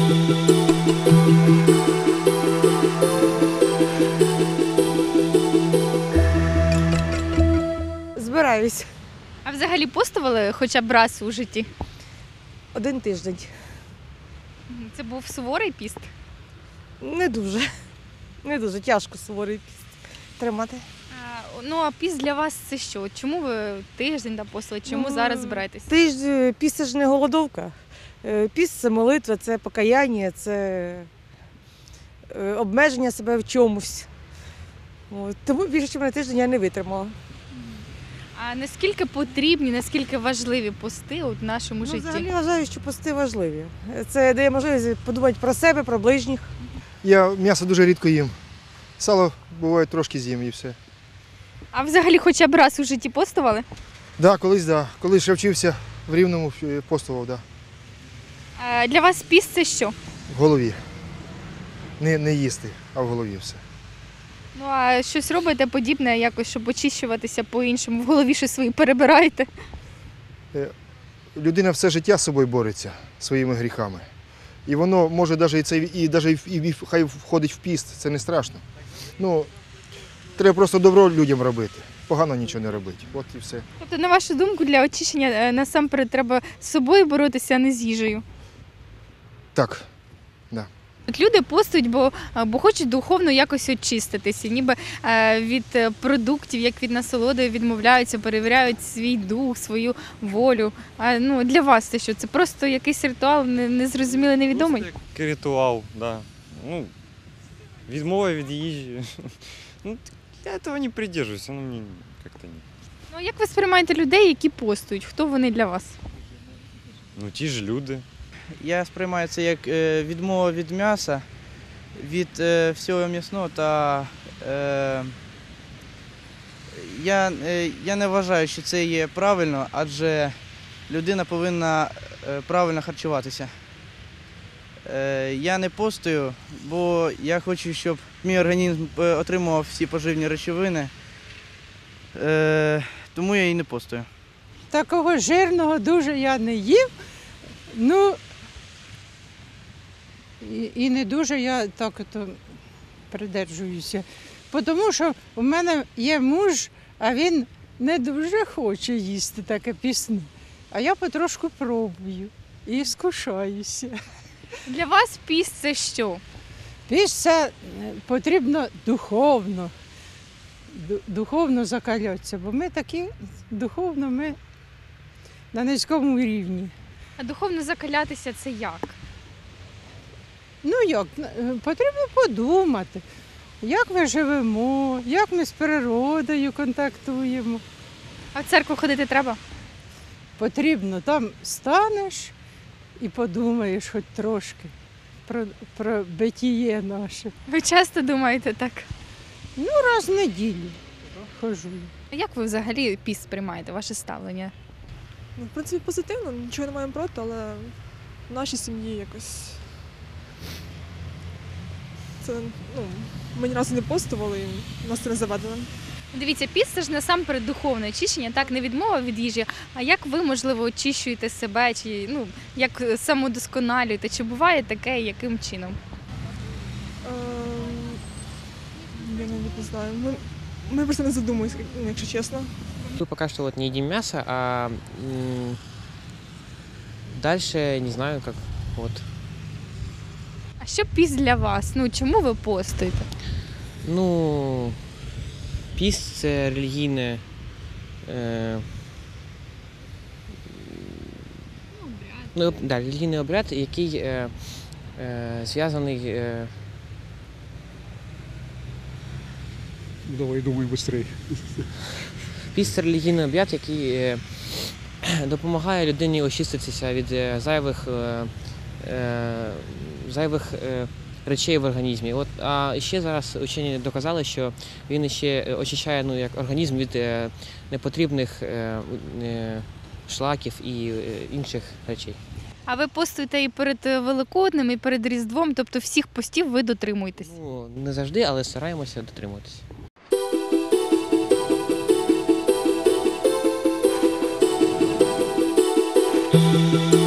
Збираюсь. А взагалі постували хоча б раз у житті? 1 тиждень. Це був суворий піст? Не дуже. Не дуже тяжко суворий піст тримати. А піст для вас це що? Чому ви тиждень постили? Чому зараз збираєтесь? Піст – це ж не голодовка. Піст – це молитва, це покаяння, це обмеження себе в чомусь. Тому більше, ніж на тиждень я не витримала. А наскільки потрібні, наскільки важливі пости в нашому житті? Взагалі вважаю, що пости важливі. Це дає можливість подумати про себе, про ближніх. Я м'ясо дуже рідко їм. Сало буває трошки з'їм і все. А взагалі хоча б раз у житті постували? Да, колись, да. Коли ще вчився в Рівному, постував, да. А для вас піст це що? В голові. Не їсти, а в голові все. Ну а щось робите подібне, якось, щоб очищуватися по-іншому? В голові щось свої перебираєте? Людина все життя з собою бореться, своїми гріхами. І воно може навіть хай входить в піст, це не страшно. Ну, треба просто добро людям робити, погано нічого не робити. От і все. Тобто, на вашу думку, для очищення насамперед треба з собою боротися, а не з їжею? Так, да. От люди постують, бо хочуть духовно якось очиститися, ніби від продуктів, як від насолоди, відмовляються, перевіряють свій дух, свою волю. А для вас це що? Це просто якийсь ритуал, незрозумілий, невідомий? Просто як ритуал, да. Відмова від їжі. Я цього не придержуюсь, мені як-то ні. Ну, як ви сприймаєте людей, які постують? Хто вони для вас? Ті ж люди. Я сприймаю це як відмова від м'яса, від всього м'ясного та я не вважаю, що це є правильно, адже людина повинна правильно харчуватися. Я не постую, бо я хочу, щоб мій організм отримував всі поживні речовини, тому я і не постую. Такого жирного дуже я не їв. І не дуже я так придержуюся. Тому що у мене є муж, а він не дуже хоче їсти таке пісне. А я потрошку пробую і скушаюся. Для вас піст це що? Піст це потрібно духовно закалятися, бо ми такі духовно, ми на низькому рівні. А духовно закалятися це як? Як? Потрібно подумати, як ми живемо, як ми з природою контактуємо. А в церкву ходити треба? Потрібно, там станеш і подумаєш хоч трошки про битіє наше. Ви часто думаєте так? Раз в неділю ходжу. А як ви взагалі піст сприймаєте, ваше ставлення? В принципі, позитивно, нічого не маємо проти, але в нашій сім'ї якось це, ми ні разу не постували, і в нас це не заведено. Дивіться, піст – це ж насамперед духовне очищення, так, не відмова від їжі. А як ви, можливо, очищуєте себе, чи як самодосконалюєте? Чи буває таке, яким чином? Я навіть не знаю. Ми просто не задумуємося, якщо чесно. Мы пока что не едим мясо, а дальше не знаю, как вот. А що піст для вас? Чому ви постуєте? Піст – це релігійне релігійний обряд, який зв'язаний. Давай, думай швидше. Піст – це релігійний обряд, який допомагає людині очиститися від зайвих речей в організмі. А ще зараз учені доказали, що він ще очищає як організм від непотрібних шлаків і інших речей. А ви постуєте і перед Великоднем, і перед Різдвом, тобто всіх постів ви дотримуєтесь? Не завжди, але стараємося дотримуватися. Thank you.